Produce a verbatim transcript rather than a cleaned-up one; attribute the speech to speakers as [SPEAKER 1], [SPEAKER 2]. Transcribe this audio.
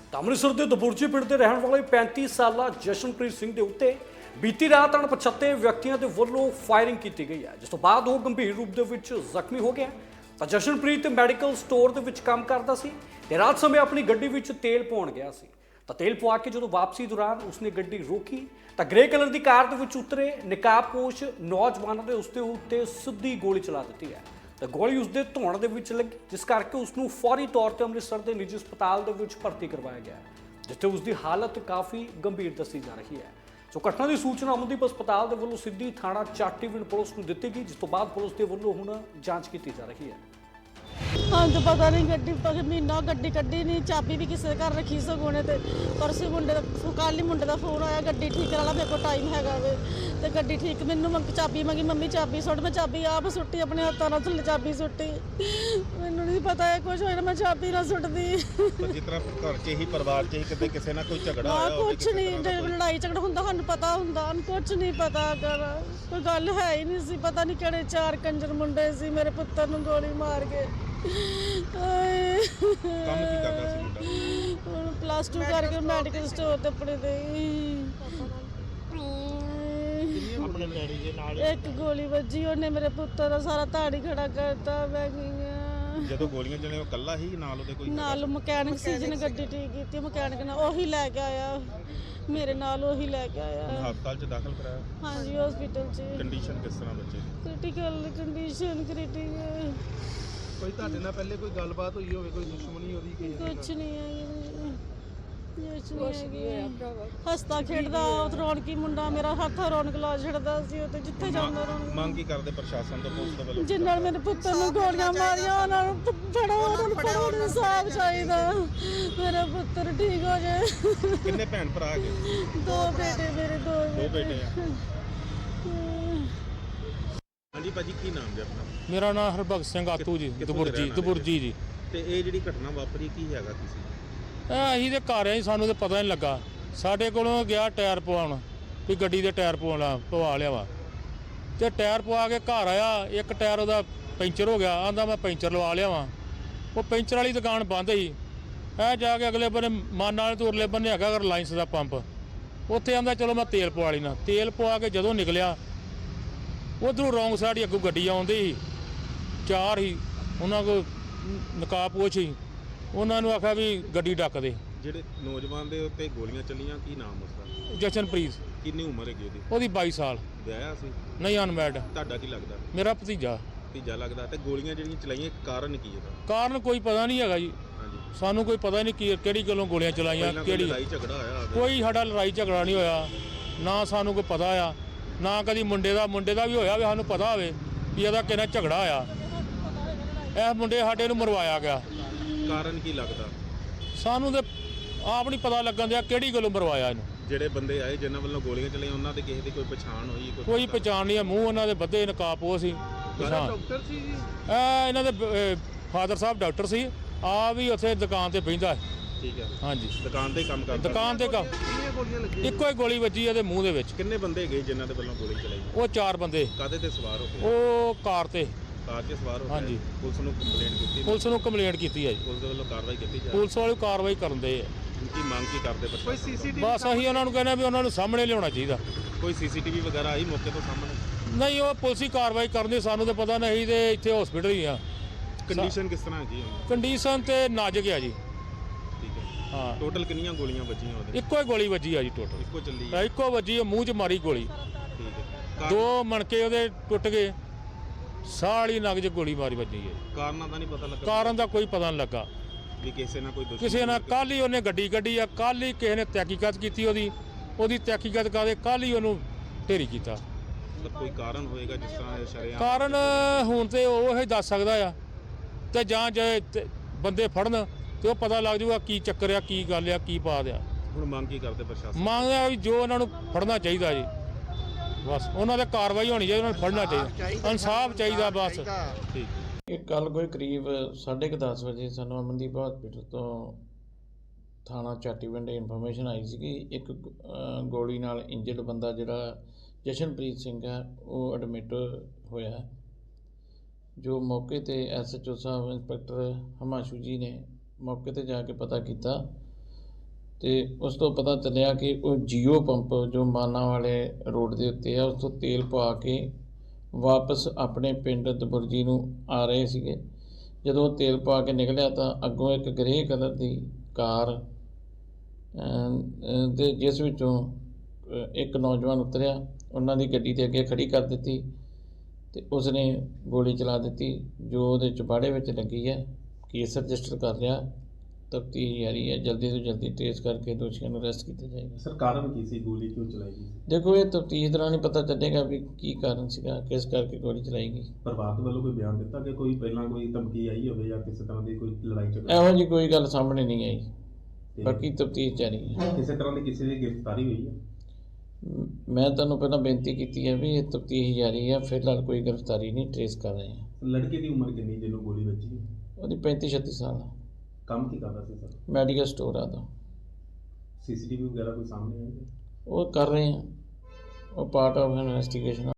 [SPEAKER 1] ਅੰਮ੍ਰਿਤਸਰ ਦੇ ਦਬੁਰਜੀ ਪਿੰਡ ਦੇ ਰਹਿਣ ਵਾਲੇ ਪੈਂਤੀ ਸਾਲਾ ਜਸ਼ਨਪ੍ਰੀਤ ਸਿੰਘ ਦੇ ਉੱਤੇ ਬੀਤੀ ਰਾਤ ਅਣਪਛਾਤੇ ਵਿਅਕਤੀਆਂ ਦੇ ਵੱਲੋਂ ਫਾਇਰਿੰਗ ਕੀਤੀ ਗਈ ਹੈ, ਜਿਸ ਤੋਂ ਬਾਅਦ ਉਹ ਗੰਭੀਰ ਰੂਪ ਦੇ ਵਿੱਚ ਜ਼ਖਮੀ ਹੋ ਗਿਆ। ਤਾਂ ਜਸ਼ਨਪ੍ਰੀਤ ਮੈਡੀਕਲ ਸਟੋਰ ਦੇ ਵਿੱਚ ਕੰਮ ਕਰਦਾ ਸੀ ਤੇ ਰਾਤ ਸਮੇਂ ਆਪਣੀ ਗੱਡੀ ਵਿੱਚ ਤੇਲ ਪਾਉਣ ਗਿਆ ਸੀ। ਤਾਂ ਤੇਲ ਪਵਾ ਕੇ ਜਦੋਂ ਵਾਪਸੀ ਦੌਰਾਨ ਉਸਨੇ ਗੱਡੀ ਰੋਕੀ ਤਾਂ ਗ੍ਰੇ ਕਲਰ ਦੀ ਕਾਰ ਦੇ ਵਿੱਚ ਉਤਰੇ ਨਕਾਬਪੋਸ਼ ਨੌਜਵਾਨਾਂ ਨੇ ਉਸਦੇ ਉੱਤੇ ਸਿੱਧੀ ਗੋਲੀ ਚਲਾ ਦਿੱਤੀ ਹੈ। ਤਾਂ ਗੋਲੀ ਉਸਦੇ ਧੌਣ ਦੇ ਵਿੱਚ ਲੱਗੀ, ਜਿਸ ਕਰਕੇ ਉਸਨੂੰ ਫੌਰੀ ਤੌਰ ਤੇ ਅੰਮ੍ਰਿਤਸਰ ਦੇ ਨਿੱਜੀ ਹਸਪਤਾਲ ਦੇ ਵਿੱਚ ਭਰਤੀ ਕਰਵਾਇਆ ਗਿਆ, ਜਿੱਥੇ ਉਸਦੀ ਹਾਲਤ ਕਾਫੀ ਗੰਭੀਰ ਦੱਸੀ ਜਾ ਰਹੀ ਹੈ। ਸੋ ਘਟਨਾ ਦੀ ਸੂਚਨਾ ਅਮਨਦੀਪ ਹਸਪਤਾਲ ਦੇ ਵੱਲੋਂ ਸਿੱਧੀ ਥਾਣਾ ਚਾਟੀਵਿੰਡ ਪੁਲਿਸ ਨੂੰ ਦਿੱਤੀ ਗਈ, ਜਿਸ ਤੋਂ ਬਾਅਦ ਪੁਲਿਸ ਦੇ ਵੱਲੋਂ ਹੁਣ ਜਾਂਚ ਕੀਤੀ ਜਾ ਰਹੀ ਹੈ।
[SPEAKER 2] ਹਾਂ ਤਾਂ ਪਤਾ ਨਹੀਂ ਗੱਡੀ ਮਹੀਨਾ ਗੱਡੀ ਕੱਢੀ ਨਹੀਂ, ਚਾਬੀ ਵੀ ਕਿਸੇ ਦੇ ਘਰ ਰੱਖੀ ਸਗੋਂ ਤੇ ਪਰਸੇ ਮੁੰਡੇ ਦਾ ਕੱਲ੍ਹ ਹੀ ਮੁੰਡੇ ਦਾ ਫੋਨ ਆਇਆ ਗੱਡੀ ਠੀਕ ਕਰਾ ਲਾ, ਮੇਰੇ ਕੋਲ ਟਾਈਮ ਹੈਗਾ ਵੇ ਤੇ ਗੱਡੀ ਠੀਕ। ਮੈਨੂੰ ਮੰਮੀ ਚਾਬੀ ਮੰਗੀ, ਮੰਮੀ ਚਾਬੀ ਸੁੱਟ, ਮੈਂ ਚਾਬੀ ਆਪ ਸੁੱਟੀ, ਆਪਣੇ ਹੱਥਾਂ ਨਾਲ ਥੱਲੇ ਚਾਬੀ ਸੁੱਟੀ। ਮੈਨੂੰ ਨਹੀਂ ਪਤਾ ਹੈ ਕੁਝ ਹੋਇਆ, ਮੈਂ ਚਾਬੀ ਨਾ ਸੁੱਟਦੀ।
[SPEAKER 3] ਪਰ ਜਿਸ ਤਰ੍ਹਾਂ ਘਰ 'ਚ ਹੀ ਪਰਿਵਾਰ 'ਚ ਹੀ ਕਿਤੇ ਕਿਸੇ ਨਾਲ ਕੋਈ ਝਗੜਾ ਹੋਇਆ ਹੋਵੇ,
[SPEAKER 2] ਕੁਝ ਨਹੀਂ, ਲੜਾਈ ਝਗੜਾ ਹੁੰਦਾ ਸਾਨੂੰ ਪਤਾ ਹੁੰਦਾ, ਕੁਝ ਨਹੀਂ ਪਤਾ ਕਰ ਕੋਈ ਗੱਲ ਹੈ ਹੀ ਨਹੀਂ ਸੀ। ਪਤਾ ਨਹੀਂ ਕਿਹੜੇ ਚਾਰ ਕੰਜਰ ਮੁੰਡੇ ਸੀ ਮੇਰੇ ਪੁੱਤਰ ਨੂੰ ਗੋਲੀ ਮਾਰ ਕੇ।
[SPEAKER 3] ਕੰਮ ਕੀ ਕਰਦਾ ਸੀ ਮੁੰਡਾ?
[SPEAKER 2] ਹੁਣ ਪਲੱਸ ਟੂ ਕਰਕੇ ਮੈਡੀਕਲ ਸਟੋਰ ਤੇ ਆਪਣੇ ਦੇ
[SPEAKER 3] ਆਪਣੇ ਡੈਡੀ ਦੇ ਨਾਲ
[SPEAKER 2] ਇੱਕ ਗੋਲੀ ਵੱਜੀ, ਉਹਨੇ ਮੇਰੇ ਪੁੱਤਰ ਦਾ ਸਾਰਾ ਧਾੜੀ ਖੜਾ ਕਰਤਾ। ਮੈਂ ਗਈ
[SPEAKER 3] ਜਦੋਂ ਗੋਲੀਆਂ ਚਲੇ ਉਹ ਇਕੱਲਾ ਹੀ ਨਾਲ ਉਹਦੇ ਕੋਈ
[SPEAKER 2] ਨਾਲ ਮਕੈਨਿਕ ਸੀ ਜਿਹਨੇ ਗੱਡੀ ਠੀਕ ਕੀਤੀ, ਮਕੈਨਿਕ ਨਾਲ ਉਹੀ ਲੈ ਕੇ ਆਇਆ, ਮੇਰੇ ਨਾਲ ਉਹੀ ਲੈ ਕੇ ਆਇਆ।
[SPEAKER 3] ਹਸਪਤਾਲ 'ਚ ਦਾਖਲ ਕਰਾਇਆ?
[SPEAKER 2] ਹਾਂਜੀ ਹਸਪੀਟਲ 'ਚ।
[SPEAKER 3] ਕੰਡੀਸ਼ਨ ਕਿਸ ਤਰ੍ਹਾਂ ਬੱਚੇ ਦੀ?
[SPEAKER 2] Critical condition critical.
[SPEAKER 4] ਕੋਈ ਤੁਹਾਡੇ ਨਾਲ ਪਹਿਲੇ ਕੋਈ ਗੱਲਬਾਤ ਹੋਈ ਹੋਵੇ, ਕੋਈ ਦੁਸ਼ਮਣੀ ਉਹਦੀ ਕੋਈ?
[SPEAKER 2] ਕੁਛ ਨਹੀਂ ਹੈ, ਕੁਛ ਨਹੀਂ ਹੈ। ਹੱਸਦਾ ਖੇਡਦਾ ਰੌਣਕੀ ਮੁੰਡਾ ਮੇਰਾ, ਹੱਥ ਰੌਣਕ ਲਾ ਛੱਡਦਾ ਸੀ, ਉਹ ਤੇ ਜਿੱਥੇ ਜਾਂਦਾ ਰੌਣਕ।
[SPEAKER 3] ਮੰਗ ਕੀ ਕਰਦੇ ਪ੍ਰਸ਼ਾਸਨ ਤੋਂ, ਪੁਲਿਸ ਦੇ ਵੱਲੋਂ?
[SPEAKER 2] ਜਿਨ੍ਹਾਂ ਨੇ ਮੇਰੇ ਪੁੱਤਰ ਨੂੰ ਗੋਲੀਆਂ ਮਾਰੀਆਂ ਉਹਨਾਂ ਨੂੰ ਫੜੋ, ਉਹਨਾਂ ਨੂੰ ਫੜੋ, ਇਨਸਾਫ ਚਾਹੀਦਾ, ਮੇਰਾ ਪੁੱਤਰ ਠੀਕ ਹੋ ਜਾਏ।
[SPEAKER 3] ਕਿੰਨੇ ਭੈਣ ਭਰਾ ਹੈਗੇ?
[SPEAKER 2] ਦੋ ਬੇਟੇ ਮੇਰੇ, ਦੋ
[SPEAKER 3] ਦੋ ਬੇਟੇ ਆ। ਹਾਂਜੀ ਭਾਜੀ, ਕੀ ਨਾਮ ਜੀ ਆਪਣਾ?
[SPEAKER 5] ਮੇਰਾ ਨਾਮ ਹਰਭਗਤ ਸਿੰਘ ਆਤੂ ਜੀ, ਦਬੁਰਜੀ ਦਬੁਰਜੀ ਜੀ।
[SPEAKER 3] ਤੇ ਇਹ ਜਿਹੜੀ ਘਟਨਾ ਵਾਪਰੀ ਕੀ ਹੈਗਾ ਕਿਸੇ?
[SPEAKER 5] ਇਹ ਅਸੀਂ ਤੇ ਘਰ ਆਏ, ਸਾਨੂੰ ਤੇ ਪਤਾ ਨਹੀਂ ਲੱਗਾ। ਸਾਡੇ ਕੋਲੋਂ ਗਿਆ ਟਾਇਰ ਪਵਾਉਣ ਵੀ ਗੱਡੀ ਦੇ ਟਾਇਰ ਪਵਾਉਣਾ ਪਵਾ ਲਿਆ ਵਾ, ਤੇ ਟਾਇਰ ਪਵਾ ਕੇ ਘਰ ਆਇਆ, ਇੱਕ ਟਾਇਰ ਉਹਦਾ ਪੈਂਚਰ ਹੋ ਗਿਆ, ਆਂਦਾ ਮੈਂ ਪੈਂਚਰ ਲਵਾ ਲਿਆ ਵਾ। ਉਹ ਪੈਂਚਰ ਵਾਲੀ ਦੁਕਾਨ ਬੰਦ ਸੀ। ਇਹ ਜਾ ਕੇ ਅਗਲੇ ਬੰਨੇ ਮਾਨ ਵਾਲੇ ਤੋਂ ਉਰਲੇ ਬੰਨੇ ਹੈਗਾ ਰਿਲਾਇੰਸ ਦਾ ਪੰਪ, ਉੱਥੇ ਆਂਦਾ ਚਲੋ ਮੈਂ ਤੇਲ ਪਵਾ ਲੈਣਾ। ਤੇਲ ਪਵਾ ਕੇ ਜਦੋਂ ਨਿਕਲਿਆ, ਉੱਧਰੋਂ ਰੌਂਗ ਸਾਈਡ ਹੀ ਅੱਗੋਂ ਗੱਡੀ ਆਉਂਦੀ ਸੀ, ਚਾਰ ਹੀ ਉਹਨਾਂ ਕੋਲ ਨਕਾਬਪੋਸ਼ ਸੀ। ਉਹਨਾਂ ਨੂੰ ਆਖਿਆ ਵੀ ਗੱਡੀ ਡੱਕ ਦੇ।
[SPEAKER 3] ਜਿਹੜੇ ਨੌਜਵਾਨ ਦੇ ਉੱਤੇ ਗੋਲੀਆਂ ਚੱਲੀਆਂ, ਕੀ ਨਾਮ ਉਸਦਾ?
[SPEAKER 5] ਜਸ਼ਨਪ੍ਰੀਤ।
[SPEAKER 3] ਕਿੰਨੀ ਉਮਰ ਹੈਗੀ ਉਹਦੀ?
[SPEAKER 5] ਉਹਦੀ ਬਾਈ ਸਾਲ।
[SPEAKER 3] ਵਿਆਹਿਆ ਸੀ?
[SPEAKER 5] ਨਹੀਂ, ਅਨਮੈਰਿਡ।
[SPEAKER 3] ਤੁਹਾਡਾ ਕੀ ਲੱਗਦਾ?
[SPEAKER 5] ਮੇਰਾ ਭਤੀਜਾ।
[SPEAKER 3] ਭਤੀਜਾ ਲੱਗਦਾ। ਤੇ ਗੋਲੀਆਂ ਜਿਹੜੀਆਂ ਚਲਾਈਆਂ, ਕਾਰਨ ਕੀ ਇਹਦਾ?
[SPEAKER 5] ਕਾਰਨ ਕੋਈ ਪਤਾ ਨਹੀਂ ਹੈਗਾ ਜੀ,
[SPEAKER 3] ਹਾਂਜੀ,
[SPEAKER 5] ਸਾਨੂੰ ਕੋਈ ਪਤਾ ਨਹੀਂ ਕੀ ਕਿਹੜੀ ਗੱਲੋਂ ਗੋਲੀਆਂ ਚਲਾਈਆਂ, ਕਿਹੜੀ
[SPEAKER 3] ਲੜਾਈ ਝਗੜਾ ਹੋਇਆ?
[SPEAKER 5] ਕੋਈ ਸਾਡਾ ਲੜਾਈ ਝਗੜਾ ਨਹੀਂ ਹੋਇਆ, ਨਾ ਸਾਨੂੰ ਕੋਈ ਪਤਾ ਆ, ਨਾ ਕਦੀ ਮੁੰਡੇ ਦਾ ਮੁੰਡੇ ਦਾ ਵੀ ਹੋਇਆ ਵੀ ਸਾਨੂੰ ਪਤਾ ਹੋਵੇ ਵੀ ਇਹਦਾ ਕਿਹਨਾਂ ਝਗੜਾ ਹੋਇਆ। ਇਹ ਮੁੰਡੇ ਸਾਡੇ ਨੂੰ ਮਰਵਾਇਆ ਗਿਆ।
[SPEAKER 3] ਕਾਰਨ ਕੀ ਲੱਗਦਾ?
[SPEAKER 5] ਸਾਨੂੰ ਤੇ ਆਪ ਨਹੀਂ ਪਤਾ ਲੱਗਣ ਦਿਆ ਕਿਹੜੀ ਗੱਲੋਂ ਮਰਵਾਇਆ ਇਹਨੂੰ।
[SPEAKER 3] ਜਿਹੜੇ ਬੰਦੇ ਆਏ ਜਿਨ੍ਹਾਂ ਵੱਲੋਂ ਗੋਲੀਆਂ ਚਲਾਈਆਂ, ਉਹਨਾਂ ਦੇ ਕਿਸੇ ਦੀ ਕੋਈ ਪਛਾਣ ਹੋਈ?
[SPEAKER 5] ਕੋਈ ਪਛਾਣ ਨਹੀਂ ਹੈ, ਮੂੰਹ ਉਹਨਾਂ ਦੇ ਬੱਧੇ ਨਕਾਬਪੋਸ਼ ਸੀ। ਪਛਾਣ
[SPEAKER 4] ਡਾਕਟਰ ਸੀ ਜੀ?
[SPEAKER 5] ਇਹ ਇਹਨਾਂ ਦੇ ਫਾਦਰ ਸਾਹਿਬ ਡਾਕਟਰ ਸੀ, ਆ ਵੀ ਉੱਥੇ ਦੁਕਾਨ ਤੇ ਬਹਿੰਦਾ।
[SPEAKER 3] ਠੀਕ ਹੈ।
[SPEAKER 5] ਹਾਂਜੀ,
[SPEAKER 3] ਦੁਕਾਨ ਤੇ ਕੰਮ ਕਰਦਾ?
[SPEAKER 5] ਦੁਕਾਨ ਤੇ ਕੰਮ।
[SPEAKER 4] ਕਿੰਨੀਆਂ ਗੋਲੀਆਂ ਲੱਗੀਆਂ?
[SPEAKER 5] ਇੱਕੋ ਹੀ ਗੋਲੀ ਵੱਜੀ ਇਹਦੇ ਮੂੰਹ ਦੇ ਵਿੱਚ।
[SPEAKER 3] ਕਿੰਨੇ ਬੰਦੇ ਗਏ ਜਿਨ੍ਹਾਂ ਦੇ ਵੱਲੋਂ ਗੋਲੀ ਚਲਾਈ?
[SPEAKER 5] ਉਹ ਚਾਰ ਬੰਦੇ।
[SPEAKER 3] ਕਾਹਦੇ ਤੇ ਸਵਾਰ ਹੋ ਕੇ?
[SPEAKER 5] ਉਹ ਕਾਰ ਤੇ।
[SPEAKER 3] ਕਾਰ 'ਤੇ ਸਵਾਰ ਹੋ ਕੇ?
[SPEAKER 5] ਹਾਂਜੀ।
[SPEAKER 3] ਪੁਲਿਸ ਨੂੰ ਕੰਪਲੇਂਟ ਕੀਤੀ?
[SPEAKER 5] ਪੁਲਿਸ ਨੂੰ ਕੰਪਲੇਂਟ ਕੀਤੀ ਹੈ ਜੀ,
[SPEAKER 3] ਪੁਲਿਸ ਦੇ ਵੱਲੋਂ ਕਾਰਵਾਈ ਕੀਤੀ ਜਾ ਰਹੀ?
[SPEAKER 5] ਪੁਲਿਸ ਵਾਲੇ ਕਾਰਵਾਈ ਕਰਨ ਦੇ ਆ।
[SPEAKER 3] ਕੀ ਮੰਗ ਕੀ ਕਰਦੇ
[SPEAKER 4] ਕੋਈ
[SPEAKER 3] ਪ੍ਰਸ਼ਾਸਨ?
[SPEAKER 4] ਸੀਸੀਟੀਵੀ?
[SPEAKER 5] ਬਸ ਅਸੀਂ ਉਹਨਾਂ ਨੂੰ ਕਹਿੰਦੇ ਵੀ ਉਹਨਾਂ ਨੂੰ ਸਾਹਮਣੇ ਲਿਆਉਣਾ ਚਾਹੀਦਾ।
[SPEAKER 3] ਕੋਈ ਸੀਸੀਟੀਵੀ ਵਗੈਰਾ ਆਈ ਮੌਕੇ ਤੋਂ ਸਾਹਮਣੇ?
[SPEAKER 5] ਨਹੀਂ, ਉਹ ਪੁਲਿਸ ਹੀ ਕਾਰਵਾਈ ਕਰਨੀ, ਸਾਨੂੰ ਤਾਂ ਪਤਾ ਨਹੀਂ। ਤੇ ਇੱਥੇ ਹਸਪੀਟਲ ਹੀ ਆ।
[SPEAKER 3] ਕੰਡੀਸ਼ਨ ਕਿਸ ਤਰ੍ਹਾਂ ਹੈਗੀ ਹੈ?
[SPEAKER 5] ਕੰਡੀਸ਼ਨ ਤੇ ਨਾਜ਼ੁਕ ਆ ਜੀ।
[SPEAKER 3] ਠੀਕ ਹੈ।
[SPEAKER 5] ਹਾਂ,
[SPEAKER 3] ਟੋਟਲ ਕਿੰਨੀਆਂ ਗੋਲੀਆਂ ਵੱਜੀਆਂ ਉਹਦੇ?
[SPEAKER 5] ਇੱਕੋ ਹੀ ਗੋਲੀ ਵੱਜੀ ਆ ਜੀ ਟੋਟਲ।
[SPEAKER 3] ਇੱਕੋ ਚੱਲੀ ਹੈ?
[SPEAKER 5] ਇੱਕੋ ਵੱਜੀ ਆ, ਮੂੰਹ 'ਚ ਮਾਰੀ ਗੋਲੀ।
[SPEAKER 3] ਠੀਕ ਹੈ।
[SPEAKER 5] ਦੋ ਮਣਕੇ ਉਹਦੇ ਟੁੱਟ ਗਏ, ਸਾਹ ਵਾਲੀ ਨਗ 'ਚ ਗੋਲੀ ਮਾਰੀ ਵੱਜੀ ਹੈ।
[SPEAKER 3] ਕਾਰਨਾਂ ਦਾ ਨਹੀਂ ਪਤਾ ਲੱਗਾ?
[SPEAKER 5] ਕਾਰਨ ਦਾ ਕੋਈ ਪਤਾ ਨਹੀਂ ਲੱਗਾ।
[SPEAKER 3] ਵੀ ਕਿਸੇ ਨਾਲ ਕੋਈ ਦੁਸ਼ਮਣੀ?
[SPEAKER 5] ਕਿਸੇ ਨਾਲ ਕੱਲ੍ਹ ਹੀ ਉਹਨੇ ਗੱਡੀ ਕੱਢੀ ਆ, ਕੱਲ੍ਹ ਹੀ ਕਿਸੇ ਨੇ ਤਹਿਕੀਕਤ ਕੀਤੀ ਉਹਦੀ ਉਹਦੀ ਤਹਿਕੀਕਤ ਕਰਦੇ ਕੱਲ੍ਹ ਹੀ ਉਹਨੂੰ ਢੇਰੀ ਕੀਤਾ।
[SPEAKER 3] ਮਤਲਬ ਕੋਈ ਕਾਰਨ ਹੋਏਗਾ ਜਿਸ ਤਰ੍ਹਾਂ ਇਹ ਸ਼ਰੇਆਮ?
[SPEAKER 5] ਕਾਰਨ ਹੁਣ ਤੇ ਉਹ ਹੀ ਦੱਸ ਸਕਦਾ ਆ, ਤੇ ਜਾਂ ਜੇ ਤੇ ਬੰਦੇ ਫੜਨ ਤੇ ਉਹ ਪਤਾ ਲੱਗ ਜਾਊਗਾ ਕੀ ਚੱਕਰ ਆ, ਕੀ ਗੱਲ ਆ, ਕੀ ਬਾਤ ਆ।
[SPEAKER 3] ਹੁਣ ਮੰਗ ਕੀ ਕਰਦੇ ਪ੍ਰਸ਼ਾਸਨ?
[SPEAKER 5] ਮੰਗਦਾ ਵੀ ਜੋ ਉਹਨਾਂ ਨੂੰ ਫੜਨਾ ਚਾਹੀਦਾ ਜੀ, ਬਸ ਉਹਨਾਂ ਤੇ ਕਾਰਵਾਈ ਹੋਣੀ ਚਾਹੀਦੀ, ਉਹਨਾਂ ਨੂੰ ਫੜਨਾ ਚਾਹੀਦਾ, ਇਨਸਾਫ ਚਾਹੀਦਾ ਬਸ।
[SPEAKER 3] ਠੀਕ।
[SPEAKER 6] ਇਹ ਕੱਲ ਕੋਈ ਕਰੀਬ ਸਾਢੇ ਕੁ ਦਸ ਵਜੇ ਸਾਨੂੰ ਅਮਨਦੀਪ ਹਸਪੀਟਲ ਤੋਂ ਥਾਣਾ ਚਾਟੀਵਿੰਡ ਇਨਫੋਰਮੇਸ਼ਨ ਆਈ ਸੀ ਕਿ ਇੱਕ ਅ, ਗੋਲੀ ਨਾਲ ਇੰਜਰਡ ਬੰਦਾ ਜਿਹੜਾ ਜਸ਼ਨਪ੍ਰੀਤ ਸਿੰਘ ਹੈ ਉਹ ਐਡਮਿਟ ਹੋਇਆ। ਜੋ ਮੌਕੇ ਤੇ ਐਸ ਐਚ ਓ ਸਾਹਿਬ ਇੰਸਪੈਕਟਰ ਹਿਮਾਂਸ਼ੂ ਜੀ ਨੇ ਮੌਕੇ ਤੇ ਜਾ ਕੇ ਪਤਾ ਕੀਤਾ ਤੇ ਉਸ ਤੋਂ ਪਤਾ ਚੱਲਿਆ ਕਿ ਉਹ ਜੀਓ ਪੰਪ ਜੋ ਮਾਨਾ ਵਾਲੇ ਰੋਡ ਦੇ ਉੱਤੇ ਆ ਉਸ ਤੋਂ ਤੇਲ ਪਵਾ ਕੇ ਵਾਪਸ ਆਪਣੇ ਪਿੰਡ ਦਬੁਰਜੀ ਨੂੰ ਆ ਰਹੇ ਸੀਗੇ। ਜਦੋਂ ਉਹ ਤੇਲ ਪਾ ਕੇ ਨਿਕਲਿਆ ਤਾਂ ਅੱਗੋਂ ਇੱਕ ਗ੍ਰੇ ਕਲਰ ਦੀ ਕਾਰ ਅਮ, ਅਮ, ਤੇ ਜਿਸ ਵਿੱਚੋਂ ਅ, ਇੱਕ ਨੌਜਵਾਨ ਉਤਰਿਆ, ਉਹਨਾਂ ਦੀ ਗੱਡੀ ਦੇ ਅੱਗੇ ਖੜੀ ਕਰ ਦਿੱਤੀ ਤੇ ਉਸਨੇ ਗੋਲੀ ਚਲਾ ਦਿੱਤੀ ਜੋ ਉਹਦੇ ਚੁਬਾੜੇ ਵਿੱਚ ਲੱਗੀ ਹੈ। ਕੇਸ ਰਜਿਸਟਰ ਕਰ ਲਿਆ, ਤਫਤੀਸ਼ ਜਾਰੀ ਹੈ, ਜਲਦੀ ਤੋਂ ਜਲਦੀ ਟ੍ਰੇਸ ਕਰਕੇ ਦੋਸ਼ੀਆਂ ਨੂੰ ਅਰੈਸਟ ਕੀਤਾ ਜਾਏਗਾ।
[SPEAKER 3] ਸਰ ਕਾਰਨ ਕੀ ਸੀ, ਗੋਲੀ ਕਿਉਂ ਚਲਾਈ ਗਈ?
[SPEAKER 6] ਦੇਖੋ ਇਹ ਤਫਤੀਸ਼ ਦੌਰਾਨ ਹੀ ਪਤਾ ਚੱਲੇਗਾ ਵੀ ਕੀ ਕਾਰਨ ਸੀਗਾ, ਕਿਸ ਕਰਕੇ ਗੋਲੀ ਚਲਾਈ ਗਈ।
[SPEAKER 3] ਪਰਿਵਾਰ ਵੱਲੋਂ ਕੋਈ ਬਿਆਨ ਦਿੱਤਾ ਕਿ ਕੋਈ ਪਹਿਲਾਂ ਕੋਈ ਧਮਕੀ ਆਈ ਹੋਵੇ ਜਾਂ ਕਿਸੇ ਤਰ੍ਹਾਂ ਦੀ ਕੋਈ ਲੜਾਈ ਝਗੜਾ?
[SPEAKER 6] ਇਹੋ ਜਿਹੀ ਕੋਈ ਗੱਲ ਸਾਹਮਣੇ ਨਹੀਂ ਆਈ,
[SPEAKER 3] ਤੇ
[SPEAKER 6] ਬਾਕੀ ਤਫਤੀਸ਼ ਜਾਰੀ ਹੈ।
[SPEAKER 3] ਕਿਸੇ ਤਰ੍ਹਾਂ ਦੀ ਕਿਸੇ ਦੀ ਗ੍ਰਿਫਤਾਰੀ ਹੋਈ ਹੈ?
[SPEAKER 6] ਮ- ਮੈਂ ਤੁਹਾਨੂੰ ਪਹਿਲਾਂ ਬੇਨਤੀ ਕੀਤੀ ਹੈ ਵੀ ਇਹ ਤਫਤੀਸ਼ ਜਾਰੀ ਹੈ, ਫਿਲਹਾਲ ਕੋਈ ਗ੍ਰਿਫਤਾਰੀ ਨਹੀਂ, ਟ੍ਰੇਸ ਕਰ ਰਹੇ ਹਾਂ।
[SPEAKER 3] ਲੜਕੇ ਦੀ ਉਮਰ ਕਿੰਨੀ ਜਿਹਨੂੰ ਗੋਲੀ ਵੱਜੀ?
[SPEAKER 6] ਉਹਦੀ ਪੈਂਤੀ ਛੱਤੀ ਸਾਲ ਆ,
[SPEAKER 3] ਕੰਮ ਕੀ ਕਰਦਾ ਸੀ ਸਰ?
[SPEAKER 6] ਮੈਡੀਕਲ ਸਟੋਰ ਆ ਦਾ।
[SPEAKER 3] ਸੀਸੀਟੀਵੀ ਵਗੈਰਾ ਕੋਈ ਸਾਹਮਣੇ ਆਈ ਹੈ?
[SPEAKER 6] ਉਹ ਕਰ ਰਹੇ ਹਾਂ, ਉਹ ਪਾਰਟ ਆਫ ਇਨਵੈਸਟੀਗੇਸ਼ਨ